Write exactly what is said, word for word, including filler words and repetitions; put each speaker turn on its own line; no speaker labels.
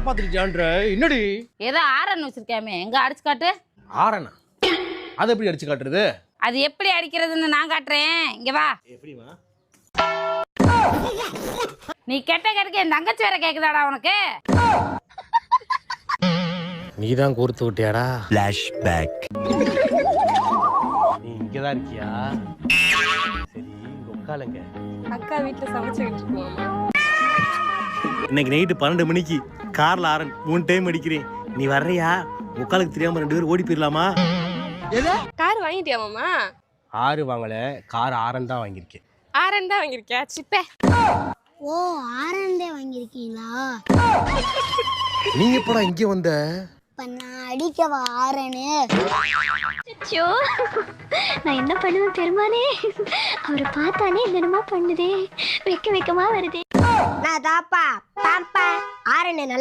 காப்பாத்திருச்சான்ற என்னடி?
ஏதோ ஆரன் வச்சிருக்காமே, எங்க அடிச்சு காட்டு.
ஆரனா? அது எப்படி அடிச்சு காட்டுறது?
அது எப்படி அடிக்கிறதுன்னு நான் காட்டுறேன், இங்க வா.
எப்படிமா?
நீ கெட்ட கெடுக்க என் தங்கச்சி வேற கேக்குதாடா உனக்கு?
நீதான் கோர்த்து விட்டியாடா?
Flashback.
நீ இங்கதான் இருக்கியா? சரி, உட்காலுங்க.
அக்கா வீட்டுல சமைச்சுக்கிட்டு இருக்கோம்.
இன்னைக்கு நைட்டு பன்னெண்டு மணிக்கு கார்ல ஆரன் மூணு டைம் அடிக்கிறேன். நீ வர்றியா? முக்காலுக்கு தெரியாம ரெண்டு பேரும் ஓடி போயிடலாமா?
கார் வாங்கிட்டியா மாமா?
ஆறு வாங்கல, கார் ஆரன் தான் வாங்கியிருக்கேன்.
ஆரன் தான் வாங்கியிருக்கியா? சிப்பே.
ஓ, ஆரண்டே வாங்கியிருக்கீங்களா?
நீங்க எப்படா இங்க வந்த?
இப்ப நான் அடிக்கவா ஆரனு?
அச்சோ, நான் என்ன பண்ணுவேன் பெருமானே? அவரை பார்த்தானே என்னமா பண்ணுதே, வெக்க வெக்கமா வருதே.
நான் தாப்பா பாப்பா ஆரனு